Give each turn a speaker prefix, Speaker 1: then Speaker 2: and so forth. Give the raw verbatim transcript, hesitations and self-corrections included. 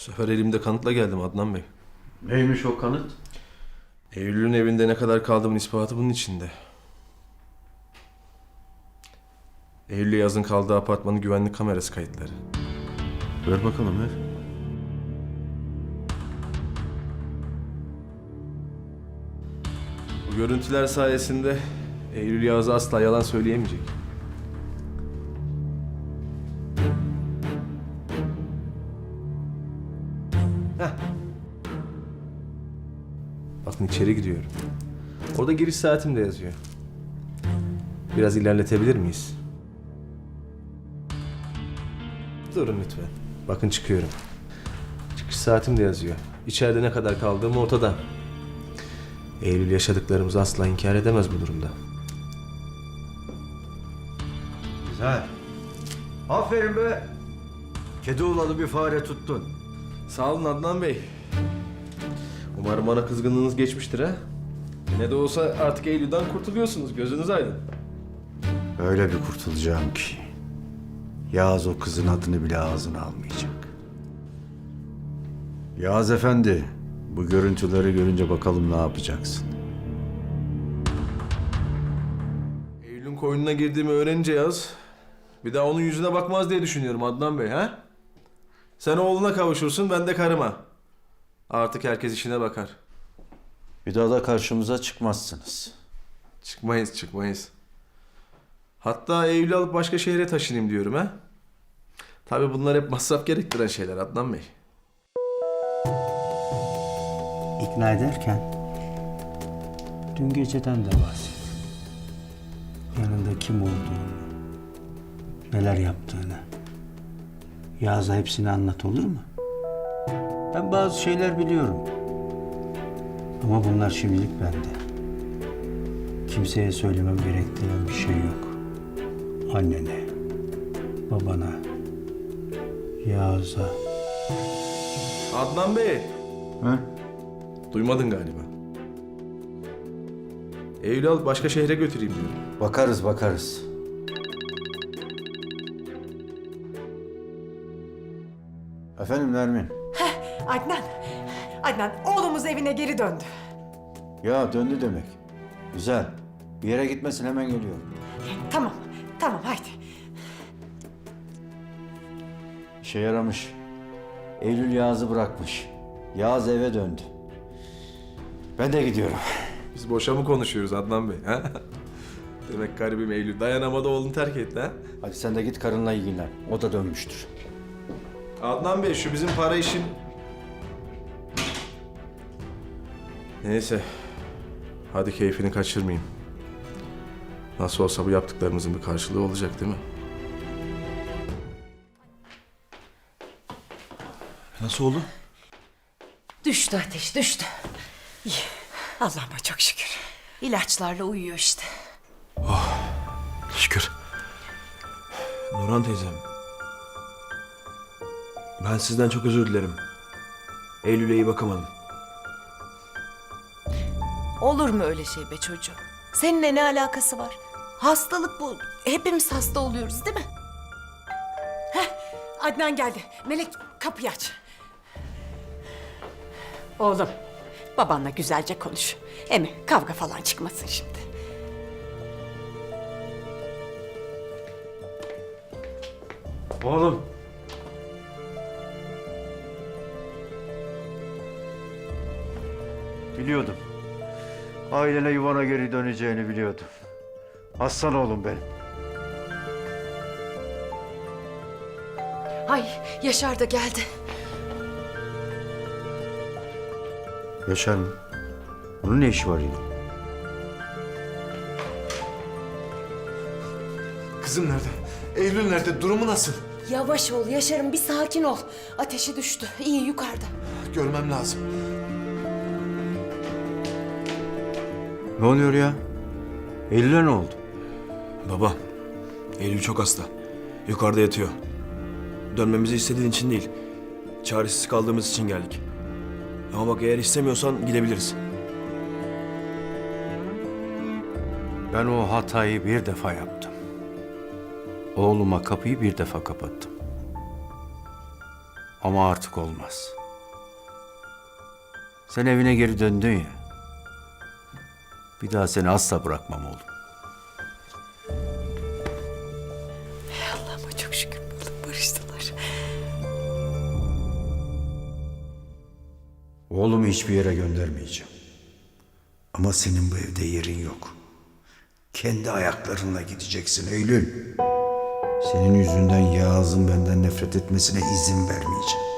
Speaker 1: sefer elimde kanıtla geldim Adnan Bey.
Speaker 2: Neymiş o kanıt?
Speaker 1: Eylül'ün evinde ne kadar kaldığımın ispatı bunun içinde. Eylül'le yazın kaldığı apartmanın güvenlik kamerası kayıtları.
Speaker 2: Ver bakalım ver.
Speaker 1: Bu görüntüler sayesinde Eylül Yağız'a asla yalan söyleyemeyecek. Heh. Bakın içeri giriyorum. Orada giriş saatim de yazıyor. Biraz ilerletebilir miyiz? Durun lütfen. Bakın çıkıyorum. Çıkış saatim de yazıyor. İçeride ne kadar kaldığım ortada. Eylül yaşadıklarımızı asla inkar edemez bu durumda.
Speaker 2: Güzel. Aferin be. Kedi oğlalı bir fare tuttun.
Speaker 1: Sağ olun Adnan Bey. Umarım bana kızgınlığınız geçmiştir ha. Ne de olsa artık Eylül'den kurtuluyorsunuz. Gözünüz aydın.
Speaker 2: Öyle bir kurtulacağım ki Yağız o kızın adını bile ağzına almayacak. Yağız Efendi, bu görüntüleri görünce bakalım ne yapacaksın?
Speaker 1: Eylül'ün koynuna girdiğimi öğrenince Yağız, bir daha onun yüzüne bakmaz diye düşünüyorum Adnan Bey ha. Sen oğluna kavuşursun, ben de karıma. Artık herkes işine bakar.
Speaker 2: Bir daha da karşımıza çıkmazsınız.
Speaker 1: Çıkmayız, çıkmayız. Hatta Eylül'ü alıp başka şehre taşınayım diyorum ha. Tabii bunlar hep masraf gerektiren şeyler Adnan Bey.
Speaker 3: İkna ederken dün geceden de bahset. Yanında kim olduğunu, neler yaptığını. Yağız'a hepsini anlat, olur mu? Ben bazı şeyler biliyorum. Ama bunlar şimdilik bende. Kimseye söylemem gerektiren bir şey yok. Annene, babana, Yağız'a.
Speaker 1: Adnan Bey,
Speaker 2: He?
Speaker 1: duymadın galiba. Eylül'ü alıp başka şehre götüreyim diyorum.
Speaker 2: Bakarız bakarız. Efendim Nermin.
Speaker 4: Adnan, Adnan oğlumuz evine geri döndü.
Speaker 2: Ya döndü demek. Güzel. Bir yere gitmesin, hemen geliyorum.
Speaker 4: Tamam, tamam haydi.
Speaker 2: İşe yaramış. Eylül Yağız'ı bırakmış. Yağız eve döndü. Ben de gidiyorum.
Speaker 1: Biz boşa mı konuşuyoruz Adnan Bey ha? Demek garibim Eylül dayanamadı oğlunu terk etti ha?
Speaker 2: Hadi sen de git karınla ilgilen. O da dönmüştür.
Speaker 1: Adnan Bey şu bizim para işin... Neyse. Hadi keyfini kaçırmayayım. Nasıl olsa bu yaptıklarımızın bir karşılığı olacak değil mi?
Speaker 5: Nasıl oldu?
Speaker 4: Düştü ateş, düştü. İyi, Allah'ıma çok şükür. İlaçlarla uyuyor işte.
Speaker 5: Şükür. Nurhan teyzem. Ben sizden çok özür dilerim. Eylül'e iyi bakamadım.
Speaker 6: Olur mu öyle şey be çocuğum? Seninle ne alakası var? Hastalık bu. Hepimiz hasta oluyoruz değil mi?
Speaker 4: Adnan geldi. Melek kapıyı aç. Oğlum, babanla güzelce konuş. Emi kavga falan çıkmasın şimdi.
Speaker 2: Oğlum. Biliyordum. Ailene yuvana geri döneceğini biliyordum. Aslan oğlum benim.
Speaker 6: Ay Yaşar da geldi.
Speaker 2: Yaşar mı? Bunun ne işi var yine?
Speaker 5: Kızım nerede? Eylül nerede? Durumu nasıl?
Speaker 6: Yavaş ol Yaşar'ım, bir sakin ol. Ateşi düştü. İyi yukarıda.
Speaker 5: Görmem lazım.
Speaker 2: Ne oluyor ya? Eylül'e ne oldu?
Speaker 5: Baba, Eylül çok hasta. Yukarıda yatıyor. Dönmemizi istediğin için değil. Çaresiz kaldığımız için geldik. Ama bak, eğer istemiyorsan gidebiliriz.
Speaker 2: Ben o hatayı bir defa yaptım. Oğluma kapıyı bir defa kapattım. Ama artık olmaz. Sen evine geri döndün ya. Bir daha seni asla bırakmam oğlum.
Speaker 4: Allah'ıma çok şükür buldum, barıştılar.
Speaker 2: Oğlumu hiçbir yere göndermeyeceğim. Ama senin bu evde yerin yok. Kendi ayaklarınla gideceksin Eylül. Senin yüzünden Yağız'ın benden nefret etmesine izin vermeyeceğim.